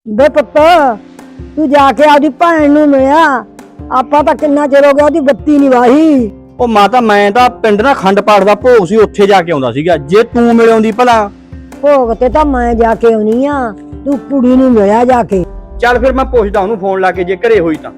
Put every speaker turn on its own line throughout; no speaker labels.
ਬੇ ਪੁੱਤ ਤੂੰ ਜਾ ਕੇ ਆਪਦੀ ਭੈਣ ਨੂੰ ਮਿਲਿਆ। ਆਪਾਂ ਤਾਂ ਕਿੰਨਾ ਚਿਰ ਹੋ ਗਿਆ ਉਹਦੀ ਬੱਤੀ ਨਹੀਂ ਵਾਹੀ।
ਉਹ ਮਾਤਾ ਮੈਂ ਤਾਂ ਪਿੰਡ ਨਾ ਖੰਡ ਪਾਠ ਦਾ ਭੋਗ ਸੀ, ਉੱਥੇ ਜਾ ਕੇ ਆਉਂਦਾ ਸੀਗਾ। ਜੇ ਤੂੰ ਮਿਲ ਆਉਂਦੀ ਭਲਾ।
ਭੋਗ ਤੇ ਤਾਂ ਮੈਂ ਜਾ ਕੇ ਆਉਣੀ ਆ, ਤੂੰ ਕੁੜੀ ਨੂੰ ਮਿਲਿਆ ਜਾ ਕੇ।
ਚੱਲ ਫਿਰ ਮੈਂ ਪੁੱਛਦਾ ਉਹਨੂੰ ਫੋਨ ਲਾ ਕੇ, ਜੇ ਘਰੇ ਹੋਈ ਤਾਂ।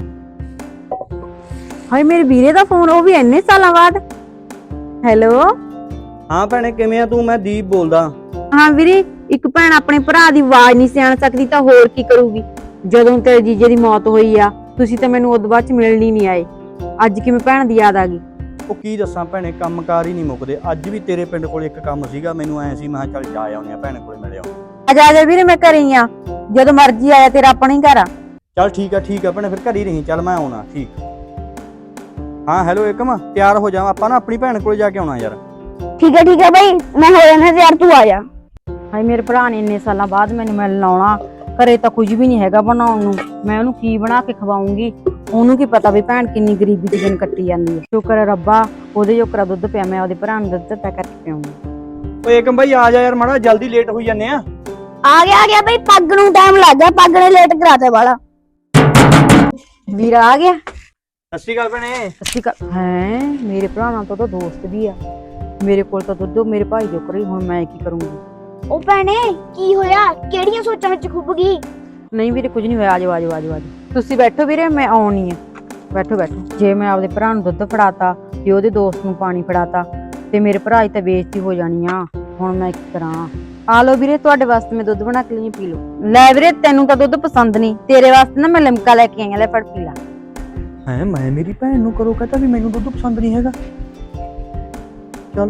ਹਾਏ ਮੇਰੇ ਵੀਰੇ ਦਾ ਫੋਨ, ਉਹ ਵੀ ਇੰਨੇ ਸਾਲਾਂ ਬਾਅਦ। ਹੈਲੋ
ਹਾਂ ਭੈਣੇ ਕਿਵੇਂ ਆ ਤੂੰ? ਮੈਂ ਦੀਪ ਬੋਲਦਾ।
ਹਾਂ ਵੀਰੇ, ਇੱਕ ਭੈਣ ਆਪਣੇ ਭਰਾ ਦੀ ਆਵਾਜ਼ ਨਹੀਂ ਸਿਆਣ ਸਕਦੀ ਤਾਂ ਹੋਰ ਕੀ ਕਰੂਗੀ। ਜਦੋਂ ਤੇਰੇ ਜੀਜੇ ਦੀ ਮੌਤ ਹੋਈ ਆ ਤੁਸੀਂ ਤਾਂ ਮੈਨੂੰ ਉਦੋਂ ਬਾਅਦ ਚ ਮਿਲਣ ਹੀ ਨਹੀਂ ਆਏ। ਅੱਜ ਕਿਵੇਂ ਭੈਣ ਦੀ ਯਾਦ ਆ ਗਈ?
ਉਹ ਕੀ ਦੱਸਾਂ ਭੈਣੇ, ਕੰਮਕਾਰ ਹੀ ਨਹੀਂ ਮੁੱਕਦੇ। ਅੱਜ ਵੀ ਤੇਰੇ ਪਿੰਡ ਕੋਲ ਇੱਕ ਕੰਮ ਸੀਗਾ, ਮੈਨੂੰ ਐ ਸੀ ਮੈਂ ਕਿਹਾ ਚੱਲ ਜਾ ਆਉਂਦੇ ਆ, ਭੈਣ ਕੋਲੇ ਮਿਲਿਆ।
ਆ ਜਾ ਵੀਰੇ, ਮੈਂ ਘਰੇ ਹੀ ਆ, ਜਦੋਂ ਮਰਜ਼ੀ ਆਇਆ, ਤੇਰਾ ਆਪਣਾ ਹੀ ਘਰ ਆ।
ਚੱਲ ਠੀਕ ਆ ਭੈਣੇ, ਫਿਰ ਘਰ ਹੀ ਰਹੀ। ਚੱਲ ਮੈਂ ਆਉਣਾ। ਠੀਕ। ਹਾਂ ਹੈਲੋ ਏਕਮ, ਤਿਆਰ ਹੋ ਜਾ, ਆਪਾਂ ਨਾ ਆਪਣੀ ਭੈਣ ਕੋਲੇ ਜਾ ਕੇ ਆਉਣਾ ਯਾਰ।
ਠੀਕ ਹੈ ਬਾਈ, ਮੈਂ ਹੋ ਜਾਣਾ ਯਾਰ, ਤੂੰ ਆ ਜਾ।
ਹਾਏ ਮੇਰੇ ਭਰਾ ਨੇ ਇੰਨੇ ਸਾਲਾਂ ਬਾਅਦ ਮੈਨੂੰ ਮਿਲਣ ਆਉਣਾ, ਘਰੇ ਤਾਂ ਕੁਝ ਵੀ ਨਹੀਂ ਹੈਗਾ ਬਣਾਉਣ ਨੂੰ। ਮੈਂ ਉਹਨੂੰ ਕੀ ਬਣਾ ਕੇ ਖਵਾਉਂਗੀ? ਉਹਨੂੰ ਕੀ ਪਤਾ ਵੀ ਭੈਣ ਕਿੰਨੀ ਗਰੀਬੀ ਦੀ ਦਿਨ ਕੱਟੀ ਜਾਂਦੀ ਹੈ। ਸ਼ੁਕਰ ਹੈ ਰੱਬਾ, ਉਹਦੇ ਜੋਕਰਾ ਦੁੱਧ ਪਿਆ, ਮੈਂ ਉਹਦੇ ਭਰਾ ਨੂੰ ਦੁੱਧ ਪੈ ਕਰਕੇ ਪਿਆਉਂਗੀ।
ਓਏ ਏਕਮ ਬਾਈ ਆ ਜਾ ਯਾਰ, ਮਾੜਾ ਜਲਦੀ ਲੇਟ ਹੋਈ ਜਾਂਦੇ ਆ।
ਆ ਗਿਆ ਬਈ, ਪੱਗ ਨੂੰ ਟਾਈਮ ਲੱਗ ਗਿਆ, ਪੱਗ ਨੇ ਲੇਟ ਕਰਾਤੇ ਵਾਲਾ।
ਵੀਰਾ ਆ ਗਿਆ।
ਸਤਿ ਸ਼੍ਰੀ ਅਕਾਲ ਭੈਣੇ।
ਸੱਚੀ ਗੱਲ ਹੈ, ਮੇਰੇ ਭਰਾ ਨਾਲ ਤਾਂ ਉਹਦਾ ਦੋਸਤ ਵੀ ਆ। ਮੇਰੇ ਕੋਲ ਤਾਂ ਦੁੱਧ ਮੇਰੇ ਭਾਈ ਜੋਕਰਾ ਹੀ, ਹੁਣ ਮੈਂ ਕੀ ਕਰੂੰਗੀ?
ਉਹ ਭੈਣੇ ਕੀ ਹੋਇਆ? ਕਿਹੜੀਆਂ ਸੋਚਾਂ ਵਿੱਚ ਖੁੱਭ ਗਈ?
ਨਹੀਂ ਵੀਰੇ ਕੁਝ ਨਹੀਂ ਹੋਇਆ। ਆਜੋ ਤੁਸੀਂ ਬੈਠੋ ਵੀਰੇ, ਮੈਂ ਆਉਣੀ ਆ। ਬੈਠੋ। ਜੇ ਮੈਂ ਆਪਦੇ ਭਰਾ ਨੂੰ ਦੁੱਧ ਫੜਾਤਾ ਤੇ ਉਹਦੇ ਦੋਸਤ ਨੂੰ ਪਾਣੀ ਫੜਾਤਾ ਤੇ ਮੇਰੇ ਭਰਾ ਦੀ ਤਾਂ ਬੇਇੱਜ਼ਤੀ ਹੋ ਜਾਣੀ ਆ। ਹੁਣ ਮੈਂ ਕੀ ਕਰਾਂ? ਆ ਲਓ ਵੀਰੇ, ਤੁਹਾਡੇ ਵਾਸਤੇ ਮੈਂ ਦੁੱਧ ਬਣਾ ਕੇ ਲਈ, ਪੀ ਲਓ। ਲੈ ਵੀਰੇ, ਤੈਨੂੰ ਤਾਂ ਦੁੱਧ ਪਸੰਦ ਨਹੀਂ, ਤੇਰੇ ਵਾਸਤੇ ਨਾ ਮੈਂ ਲਿਮਕਾ ਲੈ ਕੇ ਆਈ ਆ, ਲੈ ਫੜ ਪੀ ਲਾ।
ਹੈ ਮੈਂ ਮੇਰੀ ਭੈਣ ਨੂੰ ਕਰੋ ਕਹਤਾ ਵੀ ਮੈਨੂੰ ਦੁੱਧ ਪਸੰਦ ਨਹੀਂ ਹੈਗਾ। ਚੱਲ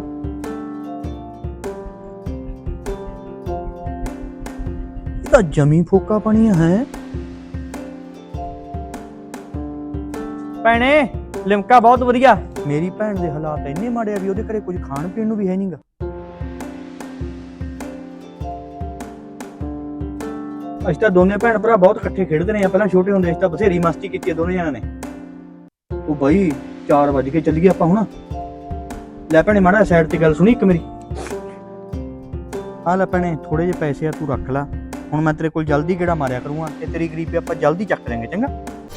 ਇਹ ਤਾਂ ਜਮੀ ਫੋਕਾ ਪਾਣੀ ਹੈ। ਭੈਣੇ ਲਿਮਕਾ ਬਹੁਤ ਵਧੀਆ। ਮੇਰੀ ਭੈਣ ਦੇ ਹਾਲਾਤ ਇੰਨੇ ਮਾੜੇ ਆ ਵੀ ਉਹਦੇ ਘਰੇ ਕੁਝ ਖਾਣ ਪੀਣ ਨੂੰ ਵੀ ਹੈ ਨਹੀਂਗਾ। ਅਸੀਂ ਤਾਂ ਦੋਨੇ ਭੈਣ ਭਰਾ ਬਹੁਤ ਇਕੱਠੇ ਖੇਡਦੇ ਰਹੇ ਆ, ਪਹਿਲਾਂ ਛੋਟੇ ਹੁੰਦੇ ਅਸੀਂ ਤਾਂ ਬਥੇਰੀ ਮਸਤੀ ਕੀਤੀ ਦੋਨੇ ਜਣਾਂ ਨੇ। ਉਹ ਬਾਈ 4 ਵਜੇ ਕੇ ਚੱਲੀਏ ਆਪਾਂ ਹੁਣ। ਲੈ ਭੈਣੇ ਮਾੜਾ ਸਾਈਡ ਤੇ ਗੱਲ ਸੁਣੀ ਇੱਕ ਮੇਰੀ। ਆ ਲੈ ਭੈਣੇ ਥੋੜੇ ਜਿਹੇ ਪੈਸੇ ਆ, ਤੂੰ ਰੱਖ ਲੈ। ਹੁਣ ਮੈਂ ਤੇਰੇ ਕੋਲ ਜਲਦੀ ਗੇੜਾ ਮਾਰਿਆ ਕਰੂੰਗਾ ਤੇ ਤੇਰੀ ਗਰੀਬੀ ਆਪਾਂ ਜਲਦੀ ਚੱਕ ਲਾਂਗੇ, ਚੰਗਾ?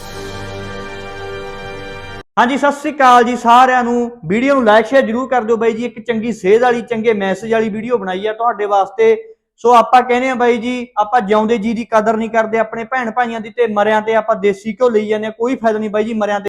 ਹਾਂਜੀ ਸਤਿ ਸ੍ਰੀ ਅਕਾਲ ਜੀ ਸਾਰਿਆਂ ਨੂੰ। ਵੀਡੀਓ ਨੂੰ ਲਾਈਕ ਸ਼ੇਅਰ ਜਰੂਰ ਕਰ ਦਿਓ ਬਾਈ ਜੀ। ਇੱਕ ਚੰਗੀ ਸੇਧ ਵਾਲੀ, ਚੰਗੇ ਮੈਸੇਜ ਵਾਲੀ ਵੀਡੀਓ ਬਣਾਈ ਆ ਤੁਹਾਡੇ ਵਾਸਤੇ। ਸੋ ਆਪਾਂ ਕਹਿੰਦੇ ਆ ਬਾਈ ਜੀ, ਆਪਾਂ ਜਿਉਂਦੇ ਜੀ ਦੀ ਕਦਰ ਨਹੀਂ ਕਰਦੇ ਆਪਣੇ ਭੈਣ ਭਾਈਆਂ ਦੀ, ਤੇ ਮਰਿਆਂ ਤੇ ਆਪਾਂ ਦੇਸੀ ਘਿਓ ਲਈ ਜਾਂਦੇ ਆ। ਕੋਈ ਫਾਇਦਾ ਨਹੀਂ ਬਾਈ ਜੀ ਮਰਿਆਂ ਤੇ।